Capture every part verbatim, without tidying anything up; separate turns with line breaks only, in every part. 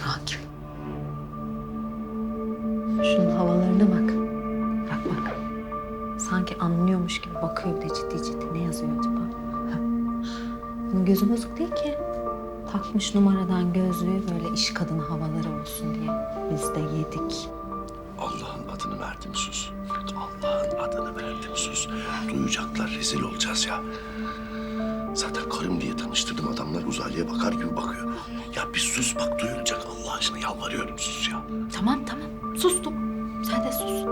Akif. Şunun havalarına bak. Bak bak. Sanki anlıyormuş gibi bakıyor bir de ciddi ciddi. Ne yazıyor acaba? Ha. Bunun gözü bozuk değil ki. Takmış numaradan gözlüğü böyle iş kadını havaları olsun diye. Biz de yedik.
Allah'ın adını verdim sus. Allah'ın adını verdim sus. Duyacaklar, rezil olacağız ya. Zaten karım diye tanıştırdım, adamlar uzaylıya bakar gibi bakıyor. Ya bir sus bak, duyulacak, Allah aşkına yalvarıyorum, sus ya.
Tamam tamam. Sustum. Sen de sus.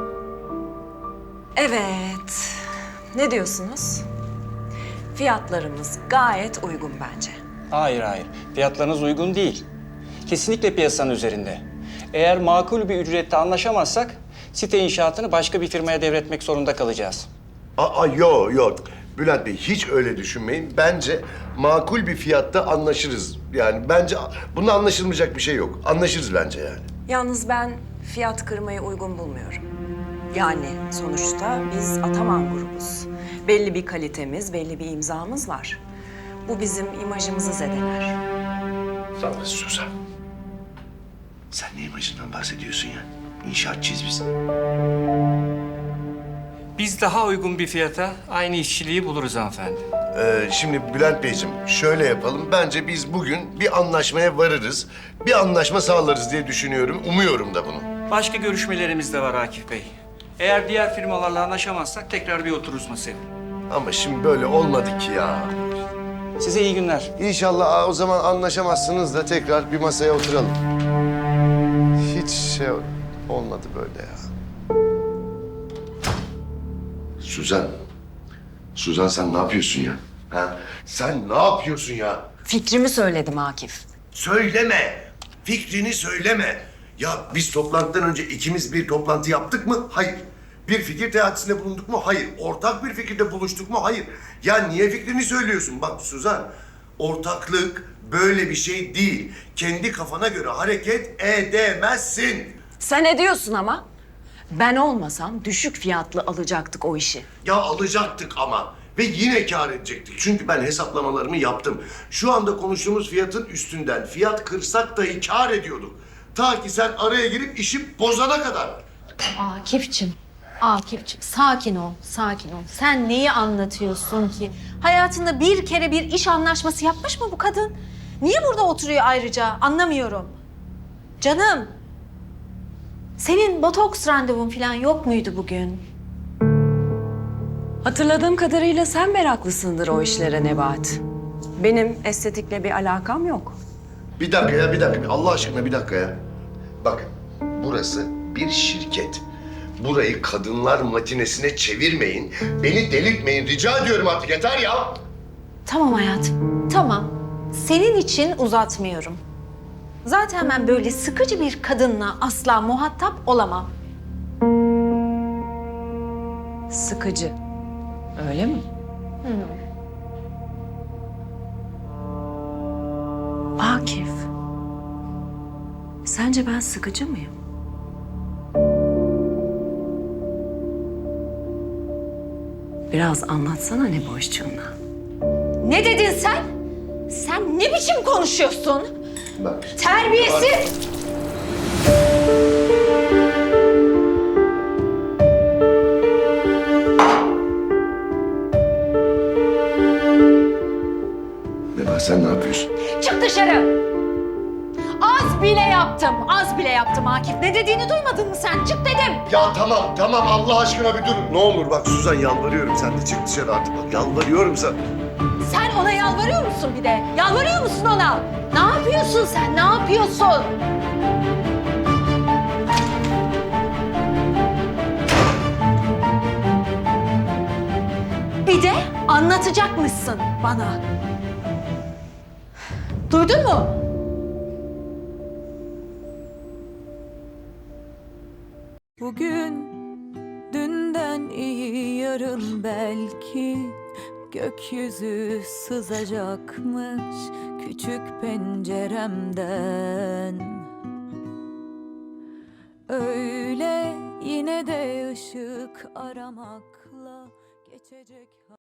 Evet. Ne diyorsunuz? Fiyatlarımız gayet uygun bence.
Hayır hayır. Fiyatlarınız uygun değil. Kesinlikle piyasanın üzerinde. Eğer makul bir ücrette anlaşamazsak site inşaatını başka bir firmaya devretmek zorunda kalacağız.
Aa yok yok. Bülent Bey hiç öyle düşünmeyin. Bence makul bir fiyatta anlaşırız. Yani bence bunda anlaşılmayacak bir şey yok. Anlaşırız bence yani.
Yalnız ben fiyat kırmayı uygun bulmuyorum. Yani sonuçta biz Ataman grubuz. Belli bir kalitemiz, belli bir imzamız var. Bu bizim imajımızı zedeler.
Tamam Suzan. Sen ne imajından bahsediyorsun ya? İnşaatçıyız biz.
Biz daha uygun bir fiyata aynı işçiliği buluruz hanımefendi.
Ee, şimdi Bülent Beyciğim şöyle yapalım. Bence biz bugün bir anlaşmaya varırız. Bir anlaşma sağlarız diye düşünüyorum. Umuyorum da bunu.
Başka görüşmelerimiz de var Akif Bey. Eğer diğer firmalarla anlaşamazsak tekrar bir otururuz masaya.
Ama şimdi böyle olmadı ki ya.
Size iyi günler.
İnşallah aa, o zaman anlaşamazsınız da tekrar bir masaya oturalım. Hiç şey olmadı böyle ya. Suzan. Suzan sen ne yapıyorsun ya? Ha? Sen ne yapıyorsun ya?
Fikrimi söyledim Akif.
Söyleme. Fikrini söyleme. Ya biz toplantıdan önce ikimiz bir toplantı yaptık mı? Hayır. Bir fikir teatisinde bulunduk mu? Hayır. Ortak bir fikirde buluştuk mu? Hayır. Ya niye fikrini söylüyorsun? Bak Suzan, ortaklık böyle bir şey değil. Kendi kafana göre hareket edemezsin.
Sen ediyorsun ama. Ben olmasam düşük fiyatlı alacaktık o işi.
Ya alacaktık ama ve yine kâr edecektik. Çünkü ben hesaplamalarımı yaptım. Şu anda konuştuğumuz fiyatın üstünden fiyat kırsak dahi kâr ediyorduk. Ta ki sen araya girip işi bozana kadar.
Akif'cim, Akif'cim sakin ol, sakin ol. Sen neyi anlatıyorsun ki? Hayatında bir kere bir iş anlaşması yapmış mı bu kadın? Niye burada oturuyor ayrıca? Anlamıyorum. Canım, senin botoks randevun falan yok muydu bugün?
Hatırladığım kadarıyla sen meraklısındır o işlere Nebahat. Benim estetikle bir alakam yok.
Bir dakika ya, bir dakika. Allah aşkına bir dakika ya. Bakın, burası bir şirket. Burayı kadınlar matinesine çevirmeyin. Beni delirtmeyin. Rica ediyorum artık, yeter ya.
Tamam hayatım, tamam. Senin için uzatmıyorum. Zaten ben böyle sıkıcı bir kadınla asla muhatap olamam.
Sıkıcı. Öyle mi? Akif. Sence ben sıkıcı mıyım? Biraz anlatsana ne boşçuğuna.
Ne dedin sen? Sen ne biçim konuşuyorsun?
Bak.
Terbiyesiz!
Nebahat sen ne yapıyorsun?
Çık dışarı! Az bile yaptım, az bile yaptım Akif. Ne dediğini duymadın mı sen? Çık dedim!
Ya tamam, tamam Allah aşkına bir durun. Ne olur bak Suzan yalvarıyorum, sen de çık dışarı artık. Bak yalvarıyorum sen.
Sen ona yalvarıyor musun bir de? Yalvarıyor musun ona? Ne yapıyorsun sen? Ne yapıyorsun? Bir de anlatacakmışsın bana. Duydun mu?
Bugün dünden iyi yarın belki gökyüzü sızacakmış küçük penceremden. Öyle yine de ışık aramakla geçecek.